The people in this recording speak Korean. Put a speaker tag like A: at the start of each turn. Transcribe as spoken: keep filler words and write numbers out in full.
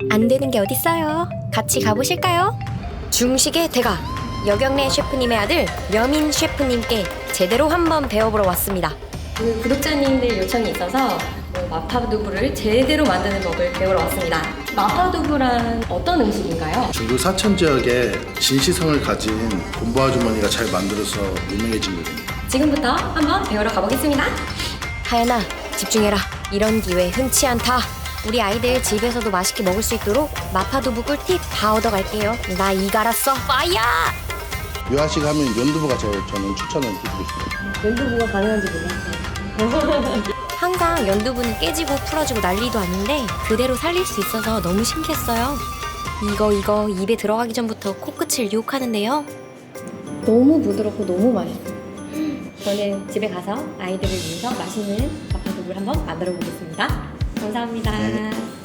A: 안 되는 게 어딨어요. 같이 가보실까요? 중식의 대가 여경래 셰프님의 아들 여민 셰프님께 제대로 한번 배워보러 왔습니다. 그 구독자님들 요청이 있어서 마파두부를 제대로 만드는 법을 배우러 왔습니다. 마파두부란 어떤 음식인가요?
B: 중국 사천 지역에 진시성을 가진 본부 아주머니가 잘 만들어서 유명해진 요리입니다.
A: 지금부터 한번 배우러 가보겠습니다. 하연아, 집중해라. 이런 기회 흔치 않다. 우리 아이들 집에서도 맛있게 먹을 수 있도록 마파두부 꿀팁 다 얻어갈게요. 나 이거 알았어. 파이어!
B: 유아식 하면 연두부가 제일 저는 추천을 드리고 싶습니다.
A: 연두부가 가능한지 몰랐어요. 항상 연두부는 깨지고 풀어지고 난리도 아닌데 그대로 살릴 수 있어서 너무 신기했어요. 이거 이거 입에 들어가기 전부터 코끝을 유혹하는데요. 너무 부드럽고 너무 맛있어요. 저는 집에 가서 아이들을 위해서 맛있는 마파두부를 한번 만들어 보겠습니다. 감사합니다.
B: 네.